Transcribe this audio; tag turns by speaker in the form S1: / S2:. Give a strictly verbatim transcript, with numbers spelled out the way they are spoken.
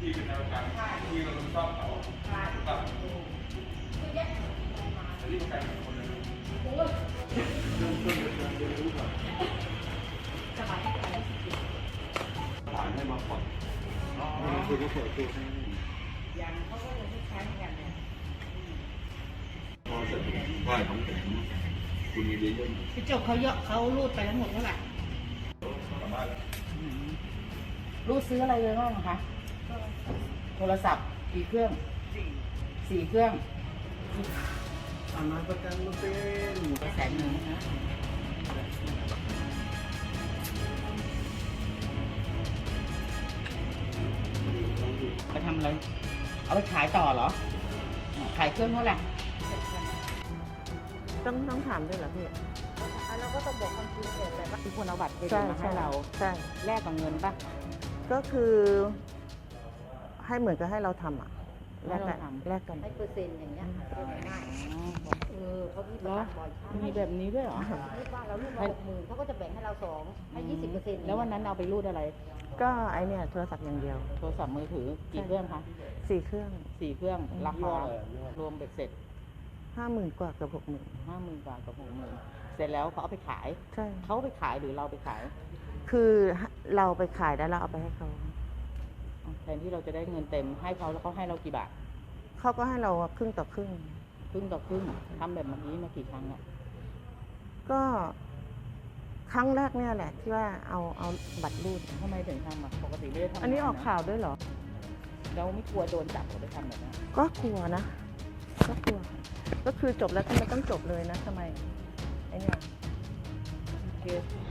S1: ที่เป็นแนวทางที่เราต้องชอบเขาแบบแต่นี่เป็นการคนเลยเริ่มต้นจากการเรียนรู้ก่อนผ่านให้มาก่อนคือเขาเปิดตัวให้
S2: อย่างเขาก็จะใช้กันเนี่ย
S1: พอเสร็จไหว้ของแถมคุณมีเยอะๆ
S2: พี่จบเขาเยอะเขารูดไปทั้งหมดเท่าไหร่รูดซื้ออะไรเลยบ้างคะโทรศัพท์กี่เครื่องสี่เครื่อง
S1: อามาประกันมาเป็น
S2: แสนหนึ่งนะไปทำอะไรเอาไปขายต่อเหรอขายเครื่องเท่าไหร่
S3: ต้องต้องถามด้วยเหรอพี่
S2: เราก็ต้องบอกความจริงแต่ว่าคือคนเอาบัตรเครดิตมาให้เรา
S3: ใช่
S2: แลกกับเงินป่ะ
S3: ก็คือให้เหมือนกับให้เราทำอ่ะแลกกันแลกกัน
S2: ให้เปอร์เซ็นต์อย่างเงี้ยง่ายเออเขามีบ่อยมีแบบนี้ด้วยเหรอรูดบ้านเรารูดมาหกหมื่นเขาก็จะแบ่งให้เราสองให้ยี่สิบเปอร์เซ็นต์แล้ววันนั้นเอาไปรูดอะไร
S3: ก็ไอเนี่ยโทรศัพท์อย่างเดียว
S2: โทรศัพท์มือถือกี่เครื่องคะ
S3: สี่เครื่อง
S2: สี่เครื่องราคารวมเบ็ดเสร็จ
S3: ห้าหมื่นกว่ากับหกหมื่น
S2: ห้าหมื่นกว่ากับหกหมื่นเสร็จแล้วเขาเอาไปขาย
S3: ใช่
S2: เขาไปขายหรือเราไปขาย
S3: คือเราไปขายแล้วเราเอาไปให้เขา
S2: แทนที่เราจะได้เงินเต็มให้เขาแล้วเขาให้เรากี่บาท
S3: เขาก็ให้เราครึ่งต่อครึ่ง
S2: ครึ่งต่อครึ่งทำแบบนี้มากี่ครั้งอ่ะ
S3: ก็ครั้งแรกเนี่ยแหละที่ว่าเอาเอาบัตรรูด
S2: ทำไมถึงทำอ่ะปกติไม่ได้ทำ
S3: อันนี้ออกข่าวด้วยเหรอ
S2: เราไม่กลัวโดนจับหรือไปทำแบบนี้
S3: ก็กลัวนะก็กลัวก็คือจบแล้วทำไมต้องจบเลยนะทำไมไอเนี่ย
S2: โอเค